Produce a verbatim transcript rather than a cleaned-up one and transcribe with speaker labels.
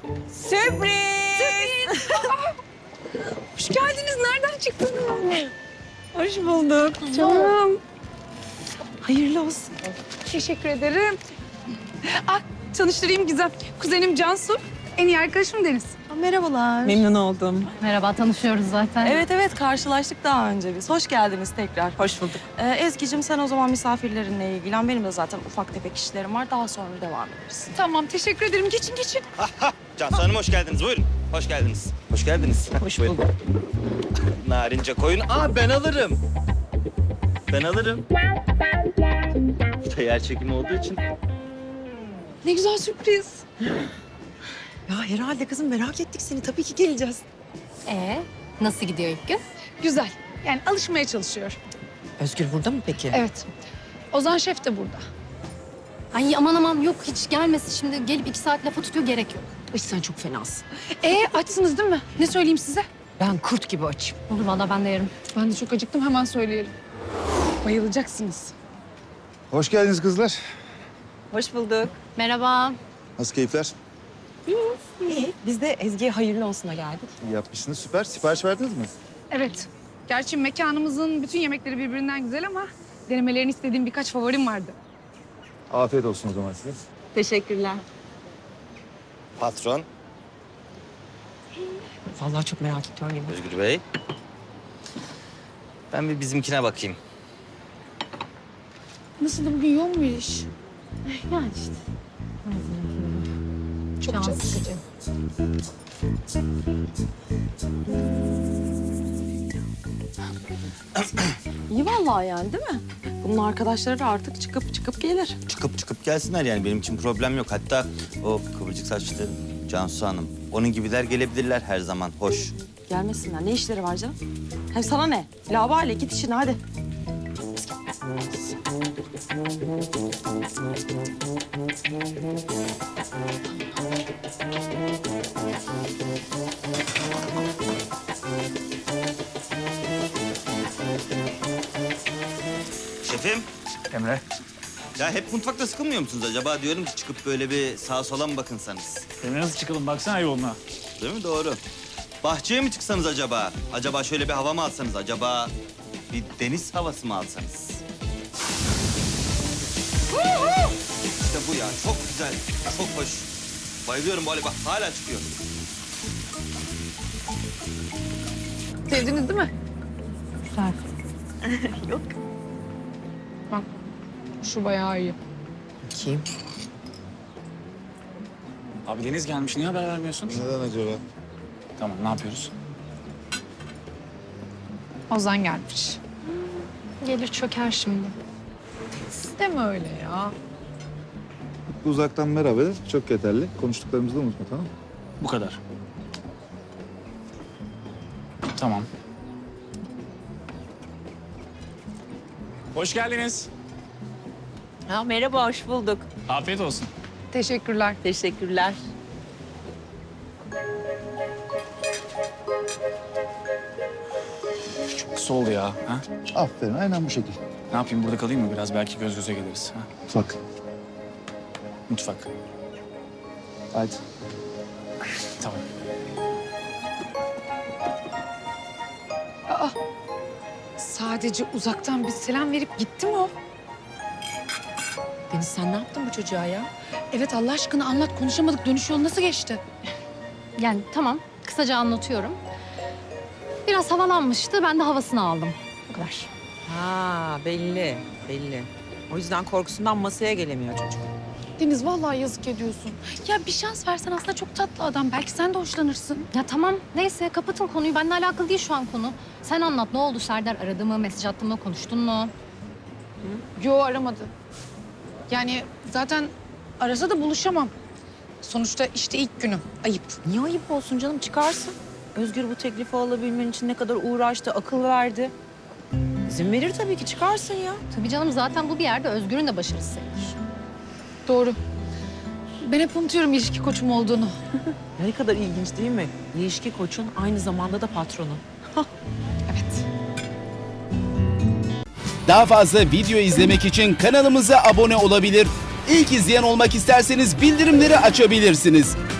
Speaker 1: Sürpriz!
Speaker 2: Sürpriz! Hoş geldiniz. Nereden çıktınız?
Speaker 1: Hoş bulduk canım. Hayırlı olsun.
Speaker 2: Teşekkür ederim. Ah, tanıştırayım Gizem. Kuzenim Cansu. En iyi arkadaşım Deniz.
Speaker 1: Merhabalar. Memnun oldum.
Speaker 3: Merhaba, tanışıyoruz zaten.
Speaker 1: Evet evet karşılaştık daha önce biz. Hoş geldiniz tekrar. Hoş bulduk. Ee, Ezgi'cim sen o zaman misafirlerinle ilgilen. Benim de zaten ufak tefek işlerim var. Daha sonra devam ederiz.
Speaker 2: Tamam, teşekkür ederim. Geçin, geçin.
Speaker 4: Cansu Hanım hoş geldiniz. Buyurun. Hoş geldiniz. Hoş geldiniz.
Speaker 1: Hoş
Speaker 4: Buyurun.
Speaker 1: bulduk.
Speaker 4: Narince koyun. Aa ben alırım. Ben alırım. Bu da yer çekimi olduğu için.
Speaker 2: Ne güzel sürpriz.
Speaker 1: Ya herhalde kızım merak ettik seni. Tabii ki geleceğiz.
Speaker 3: Ee, nasıl gidiyor ilk gün?
Speaker 2: Güzel. Yani alışmaya çalışıyor.
Speaker 1: Özgür burada mı peki?
Speaker 2: Evet. Ozan Şef de burada.
Speaker 3: Ay aman aman yok hiç gelmesin şimdi gelip iki saat lafa tutuyor gerek yok.
Speaker 1: Ay sen çok fenasın.
Speaker 2: Ee, açsınız değil mi? Ne söyleyeyim size?
Speaker 1: Ben kurt gibi açım.
Speaker 3: Olur valla ben de yerim.
Speaker 2: Ben de çok acıktım. Hemen söyleyelim. Bayılacaksınız.
Speaker 5: Hoş geldiniz kızlar.
Speaker 1: Hoş bulduk.
Speaker 3: Merhaba.
Speaker 5: Nasıl keyifler?
Speaker 1: İyi. Biz de Ezgi'ye hayırlı olsuna geldik.
Speaker 5: İyi yapmışsınız, süper. Sipariş verdiniz mi?
Speaker 2: Evet. Gerçi mekanımızın bütün yemekleri birbirinden güzel ama denemelerini istediğim birkaç favorim vardı.
Speaker 5: Afiyet olsun o zaman size.
Speaker 1: Teşekkürler.
Speaker 4: Patron,
Speaker 1: Vallahi çok merak ediyorum yemeği.
Speaker 4: Özgür Bey. Ben bir bizimkine bakayım.
Speaker 2: Nasıl da bugün yoğun bir iş?
Speaker 3: Yani işte.
Speaker 2: Çok
Speaker 3: Can
Speaker 2: çok.
Speaker 3: sıkıcı.
Speaker 1: İyi vallahi yani değil mi? Bunun arkadaşları da artık çıkıp çıkıp gelir.
Speaker 4: Çıkıp çıkıp gelsinler yani benim için problem yok. Hatta o kıvırcık saçlı Cansu Hanım. Onun gibiler gelebilirler her zaman. Hoş.
Speaker 1: Gelmesinler. Ne işleri var canım? Hem sana ne? Labale git işine hadi.
Speaker 4: Şefim.
Speaker 6: Emre,
Speaker 4: Ya hep mutfakta sıkılmıyor musunuz acaba? Diyorum ki çıkıp böyle bir sağa sola mı bakınsanız?
Speaker 6: Emre nasıl çıkalım? Baksana yoluna.
Speaker 4: Değil mi? Doğru. Bahçeye mi çıksanız acaba? Acaba şöyle bir hava mı alsanız? Acaba bir deniz havası mı alsanız? İşte bu ya. Çok güzel. Çok hoş. Bayılıyorum böyle bak hala çıkıyor.
Speaker 2: Sevdiniz değil mi?
Speaker 3: Güzel.
Speaker 1: Yok.
Speaker 2: Bak, şu bayağı iyi.
Speaker 1: Kim?
Speaker 6: Abi Deniz gelmiş. Niye haber vermiyorsun?
Speaker 5: Neden acaba?
Speaker 6: Tamam, ne yapıyoruz?
Speaker 2: Ozan gelmiş.
Speaker 3: Gelir çöker şimdi.
Speaker 2: Deme öyle ya.
Speaker 5: Bu uzaktan merhaba. Çok yeterli. Konuştuklarımızı da unutma, tamam mı?
Speaker 6: Bu kadar. Tamam. Hoş geldiniz.
Speaker 1: Ha, merhaba, hoş bulduk.
Speaker 6: Afiyet olsun.
Speaker 2: Teşekkürler.
Speaker 1: Teşekkürler.
Speaker 6: Çok kısa oldu ya. Ha?
Speaker 5: Aferin, aynen bu şekil.
Speaker 6: Ne yapayım, burada kalayım mı biraz? Belki göz göze geliriz. Ha?
Speaker 5: Bak.
Speaker 6: Mutfak.
Speaker 5: Hadi.
Speaker 6: Tamam.
Speaker 2: Sadece uzaktan bir selam verip gitti mi o?
Speaker 1: Deniz sen ne yaptın bu çocuğa ya?
Speaker 2: Evet Allah aşkına anlat. Konuşamadık. Dönüş yolu nasıl geçti?
Speaker 3: Yani tamam kısaca anlatıyorum. Biraz havalanmıştı ben de havasını aldım. Bu kadar.
Speaker 7: Ha belli, belli. O yüzden korkusundan masaya gelemiyor çocuk.
Speaker 2: Deniz vallahi yazık ediyorsun. Ya bir şans versen aslında çok tatlı adam. Belki sen de hoşlanırsın.
Speaker 3: Ya tamam neyse kapatın konuyu. Benimle alakalı değil şu an konu. Sen anlat ne oldu Serdar aradı mı, mesaj attı mı, konuştun mu?
Speaker 2: Yo aramadı. Yani zaten arasa da buluşamam. Sonuçta işte ilk günüm. Ayıp.
Speaker 7: Niye ayıp olsun canım, çıkarsın. Özgür bu teklifi alabilmen için ne kadar uğraştı, akıl verdi. İzin verir tabii ki, çıkarsın ya.
Speaker 3: Tabii canım zaten bu bir yerde Özgür'ün de başarısı sayılır.
Speaker 2: Doğru. Ben hep unutuyorum ilişki koçum olduğunu.
Speaker 7: Ne kadar ilginç değil mi? İlişki koçun aynı zamanda da patronun.
Speaker 2: Evet.
Speaker 8: Daha fazla video izlemek için kanalımıza abone olabilir. İlk izleyen olmak isterseniz bildirimleri açabilirsiniz.